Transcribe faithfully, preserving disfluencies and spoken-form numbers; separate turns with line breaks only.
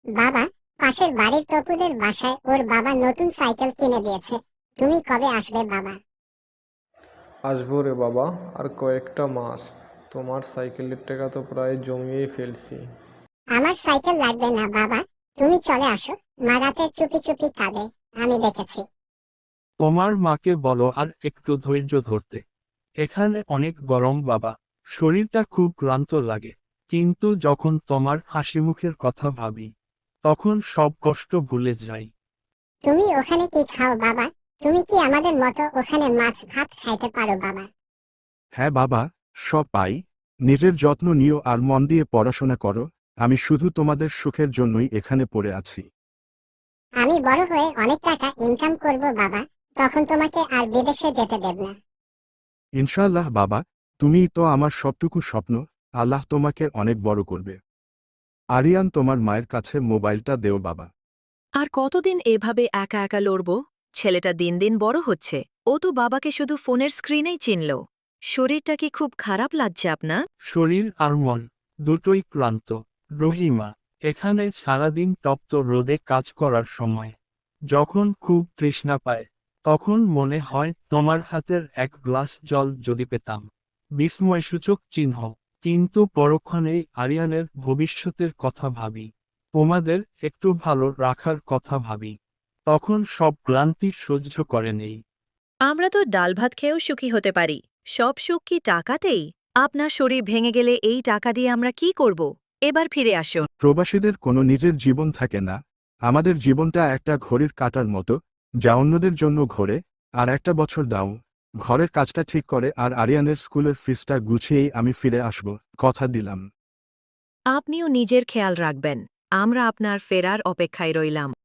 বাবা, পাশের বাড়ির তপুদের বাসায় ওর বাবা নতুন সাইকেল কিনে দিয়েছে। তুমি কবে আসবে বাবা?
আসবো রে বাবা, আর কয়েকটা মাস। তোমার সাইকেলের টাকা তো প্রায় জমিয়েই ফেলছি।
আমার সাইকেল লাগবে না বাবা, তুমি চলে আসো। মা রাতে চুপি চুপি কাঁদে, আমি দেখেছি।
তোমার মাকে বলো আর একটু ধৈর্য ধরতে। এখানে অনেক গরম বাবা, শরীরটা খুব ক্লান্ত লাগে। কিন্তু যখন তোমার হাসিমুখের কথা ভাবি, তখন সব কষ্ট ভুলে যাই।
তুমি ওখানে কি খাও বাবা? তুমি কি আমাদের মতো ওখানে মাছ ভাত খাইতে পারো বাবা?
হ্যাঁ বাবা, সব পাই। নিজের যত্ন নিও আর মন দিয়ে পড়াশোনা করো। আমি শুধু তোমাদের সুখের জন্যই এখানে পড়ে আছি।
আমি বড় হয়ে অনেক টাকা ইনকাম করব বাবা, তখন তোমাকে আর বিদেশে যেতে দেব না।
ইনশাআল্লাহ বাবা, তুমিই তো আমার সবটুকু স্বপ্ন। আল্লাহ তোমাকে অনেক বড় করবে। আরিয়ান, তোমার মায়ের কাছে মোবাইলটা দেও বাবা।
আর কতদিন এভাবে একা একা লড়ব? ছেলেটা দিন দিন বড় হচ্ছে, ও তো বাবাকে শুধু ফোনের স্ক্রিনেই চিনল। শরীরটা কি খুব খারাপ লাগছে আপনার?
শরীর আর মন দুটোই ক্লান্ত। রহিমা, এখানে সারাদিন তপ্ত রোদে কাজ করার সময় যখন খুব তৃষ্ণা পায়, তখন মনে হয় তোমার হাতের এক গ্লাস জল যদি পেতাম। বিস্ময়সূচক চিহ্ন। কিন্তু পরক্ষণেই আরিয়ানের ভবিষ্যতের কথা ভাবি, তোমাদের একটু ভালো রাখার কথা ভাবি, তখন সব ক্লান্তি সহ্য করে নেই।
আমরা তো ডাল ভাত খেয়েও সুখী হতে পারি, সব সুখ কি টাকাতেই? আপনার শরীর ভেঙে গেলে এই টাকা দিয়ে আমরা কি করব? এবার ফিরে আসুন।
প্রবাসীদের কোনো নিজের জীবন থাকে না। আমাদের জীবনটা একটা ঘড়ির কাঁটার মতো, যা অন্যদের জন্য ঘোরে। আর একটা বছর দাও, ঘরের কাজটা ঠিক করে আর আরিয়ানের স্কুলের ফিসটা গুছিয়েই আমি ফিরে আসব, কথা দিলাম।
আপনিও নিজের খেয়াল রাখবেন। আমরা আপনার ফেরার অপেক্ষায় রইলাম।